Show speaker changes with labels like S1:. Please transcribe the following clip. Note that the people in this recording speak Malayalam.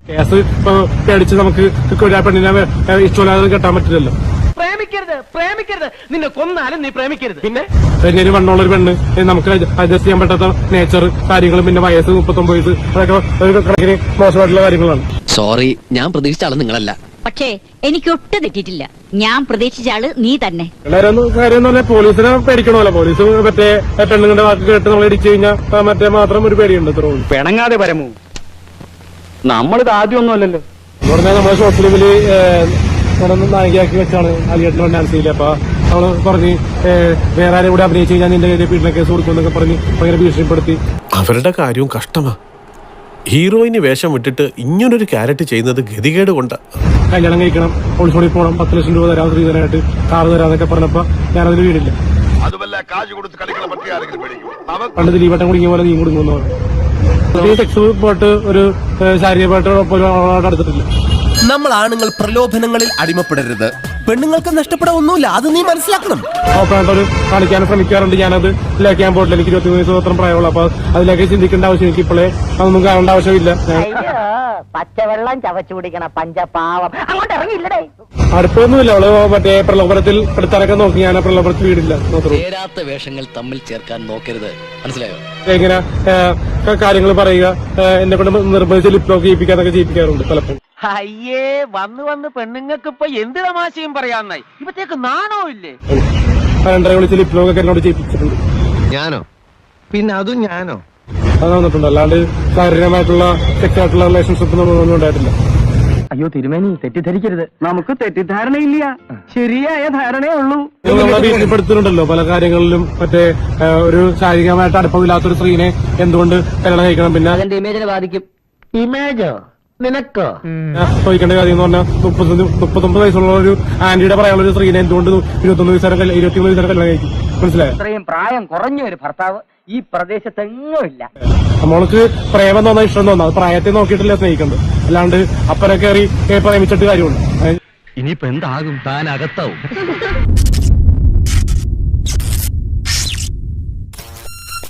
S1: കേസ് പേടിച്ച് നമുക്ക് പെണ്ണിനെ ഇഷ്ടമില്ലാതെ കെട്ടാൻ പറ്റില്ലല്ലോ.
S2: പ്രേമിക്കരുത് നിന്നെ കൊന്നാലും നീ പ്രേമിക്കരുത്.
S1: പിന്നെ വണ്ണമുള്ള ഒരു പെണ്ണ് നമുക്ക് അഡ്ജസ്റ്റ് ചെയ്യാൻ പറ്റാത്ത നേച്ചർ കാര്യങ്ങളും പിന്നെ വയസ്സ് 39 വയസ്സ് അതൊക്കെ ഒരു കണക്കിന് മോശമായിട്ടുള്ള കാര്യങ്ങളാണ്.
S3: സോറി, ഞാൻ പ്രതീക്ഷിച്ച ആള് നിങ്ങളല്ല.
S4: പക്ഷേ എനിക്ക് ഒട്ടും തെറ്റിയിട്ടില്ല. ഞാൻ പ്രതീക്ഷിച്ച ആള് നീ തന്നെ.
S1: കാര്യം എന്ന് പറഞ്ഞാൽ പോലീസിനെ പേടിക്കണമല്ലോ. പോലീസ് മറ്റേ പെണ്ണുങ്ങളുടെ വാക്ക് കേട്ട് നമ്മൾ ഇടിച്ചു കഴിഞ്ഞാൽ മറ്റേ മാത്രം ഒരു പേടിയുണ്ട്. ഇത്ര
S2: പിണങ്ങാതെ പരമു, നമ്മളിത് ആദ്യമൊന്നും അല്ലല്ലോ.
S1: എന്ന് പറഞ്ഞാൽ നമ്മളെ ഷോർട്ട് ഫിലിമില് നായികയാക്കി വെച്ചാണ് അലിയേട്ടൻ ഡാൻസ് ചെയ്യില്ല. അപ്പൊ നമ്മള് പറഞ്ഞ് വേറെ ആരും കൂടെ അഭിനയിച്ച് കഴിഞ്ഞാൽ നിന്റെ പീഡന കേസ് കൊടുക്കുമെന്നൊക്കെ പറഞ്ഞ് ഭയങ്കര ഭീഷണിപ്പെടുത്തി.
S5: അവരുടെ കാര്യവും കഷ്ടമാ. ഹീറോയിന് വേഷം വിട്ടിട്ട് ഇങ്ങനൊരു ക്യാരക്ടർ ചെയ്യുന്നത് ഗതികേട് കൊണ്ടാ.
S1: കല്യാണം കഴിക്കണം, ഒളിച്ചോടി പോകണം, 10 ലക്ഷം രൂപ തരാം, സ്ത്രീധനായിട്ട് കാർ തരാന്നൊക്കെ പറഞ്ഞപ്പോ ഞാനതിന് വീടില്ല. പണ്ട് ദിലീപേട്ടൻ കുടുങ്ങിയ പോലെ നീ കുടുങ്ങുന്നു. സെക്സ് പോയിട്ട് ഒരു ശാരീരികമായിട്ട് അടുത്തിട്ടില്ല.
S6: നമ്മൾ ആണുങ്ങൾ പ്രലോഭനങ്ങളിൽ അടിമപ്പെടരുത്. പെണ്ണുങ്ങൾക്ക് നഷ്ടപ്പെടാൻ ഒന്നുമില്ല, അത് നീ മനസ്സിലാക്കണം.
S1: ഓപ്പണായിട്ടൊരു കാണിക്കാൻ ശ്രമിക്കാറുണ്ട്. ഞാനത് ലേക്കാൻ പോയിട്ടില്ല. എനിക്ക് 23 വയസ്സ് മാത്രം പ്രായമുള്ളൂ. അപ്പൊ അതിലേക്ക് ചിന്തിക്കേണ്ട ആവശ്യം എനിക്ക് ഇപ്പോഴേ അതൊന്നും കാണേണ്ട ആവശ്യമില്ല.
S7: പച്ചവെള്ളം ചവച്ചു കുടിക്കണ പഞ്ചപാവം അങ്ങോട്ട് ഇറങ്ങിയില്ലടേ.
S1: അടുപ്പൊന്നുമില്ല. അവള് മറ്റേ പ്രലോഭനത്തിൽ എടുത്താനൊക്കെ നോക്കി. ഞാൻ പ്രലോഭനത്തിൽ വീടില്ല.
S3: ചേരാത്ത വേഷങ്ങൾ തമ്മിൽ ചേർക്കാൻ നോക്കരുത്, മനസ്സിലായോ?
S1: ഇങ്ങനെ കാര്യങ്ങൾ പറയുക, എന്നെ കൊണ്ട് നിർബന്ധിച്ച് ലിപ്ലോക്ക് ചെയ്യിപ്പിക്കാനൊക്കെ ചെയ്യിപ്പിക്കാറുണ്ട് പലപ്പോഴും.
S2: അയ്യേ, വന്ന് പെണ്ണുങ്ങൾക്ക് ഇപ്പൊ എന്ത് തമാശയും പറയാന്നായി. ഇപ്പത്തേക്ക് നാണോ ഇല്ലേ?
S1: രണ്ടര വിളിച്ച് ലിപ്ലോക്ക് എന്നോട് ചെയ്യിപ്പിച്ചിട്ടുണ്ട്.
S6: ഞാനോ? പിന്നെ അതും ഞാനോ?
S1: അത് വന്നിട്ടുണ്ട്. അല്ലാണ്ട് ശാരീരികമായിട്ടുള്ള സെക്സായിട്ടുള്ള റിലേഷൻഷിപ്പ് ഒന്നും ഉണ്ടായിട്ടില്ല.
S2: അയ്യോ തിരുമേനി, തെറ്റിദ്ധരിക്കരുത്. നമുക്ക് തെറ്റിദ്ധാരണയില്ല, ശരിയായ ധാരണയേ ഉള്ളൂ.
S1: നമ്മളെ ഭീഷണിപ്പെടുത്തുന്നുണ്ടല്ലോ പല കാര്യങ്ങളിലും. മറ്റേ ഒരു ശാരീരികമായിട്ട് അടുപ്പമില്ലാത്തൊരു സ്ത്രീനെ എന്തുകൊണ്ട് കല്യാണം കഴിക്കണം? പിന്നെ
S7: അതിന്റെ ഇമേജിനെ ബാധിക്കും. ഇമേജോ? നിനക്കോ?
S1: ചോദിക്കേണ്ട കാര്യം എന്ന് പറഞ്ഞാൽ 39 വയസ്സുള്ള ഒരു ആന്റിയുടെ പറയാനുള്ള ഒരു സ്ത്രീനെ എന്തുകൊണ്ട് 21 വയസ്സുകാരെ കല്യാണം കഴിക്കും? മനസ്സിലായോ?
S7: ഇത്രയും പ്രായം കുറഞ്ഞ ഒരു ഭർത്താവ് ഈ പ്രദേശത്തെങ്ങും ഇല്ല.
S1: നമ്മൾക്ക് പ്രേമം തോന്നാ, ഇഷ്ടം തോന്നാ, അത് പ്രായത്തെ നോക്കിയിട്ടില്ല സ്നേഹിക്കുന്നത്. അല്ലാണ്ട് അപ്പനെ കയറി പ്രേമിച്ചിട്ട് കാര്യമുണ്ട്.
S3: ഇനിയിപ്പോ എന്താകും? താൻ അകത്താവും.